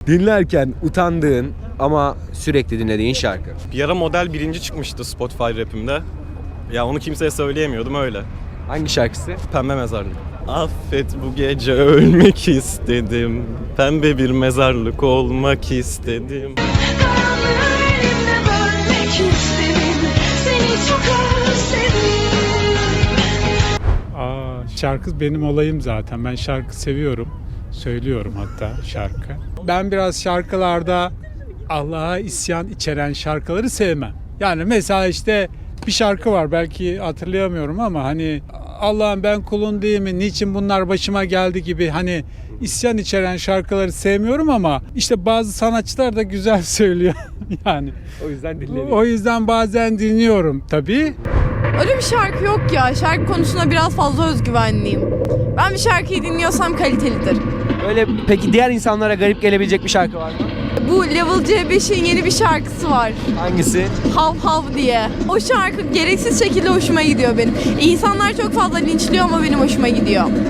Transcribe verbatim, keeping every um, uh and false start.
Dinlerken utandığın ama sürekli dinlediğin şarkı. Bir ara model birinci çıkmıştı Spotify rapimde. Ya onu kimseye söyleyemiyordum öyle. Hangi şarkısı? Pembe mezarlık. Affet bu gece ölmek istedim. Pembe bir mezarlık olmak istedim. Aa, şarkı benim olayım zaten. Ben şarkı seviyorum. Söylüyorum hatta şarkı. Ben biraz şarkılarda Allah'a isyan içeren şarkıları sevmem. Yani mesela işte bir şarkı var, belki hatırlayamıyorum ama hani Allah'ım ben kulun değil mi? Niçin bunlar başıma geldi gibi hani isyan içeren şarkıları sevmiyorum ama işte bazı sanatçılar da güzel söylüyor yani. O yüzden dinlediğin. O yüzden bazen dinliyorum tabii. Öyle bir şarkı yok ya. Şarkı konusunda biraz fazla özgüvenliyim. Ben bir şarkıyı dinliyorsam kalitelidir. Öyle peki diğer insanlara garip gelebilecek bir şarkı var mı? Bu Level C beşin yeni bir şarkısı var. Hangisi? Hav Hav diye. O şarkı gereksiz şekilde hoşuma gidiyor benim. İnsanlar çok fazla linçliyor ama benim hoşuma gidiyor.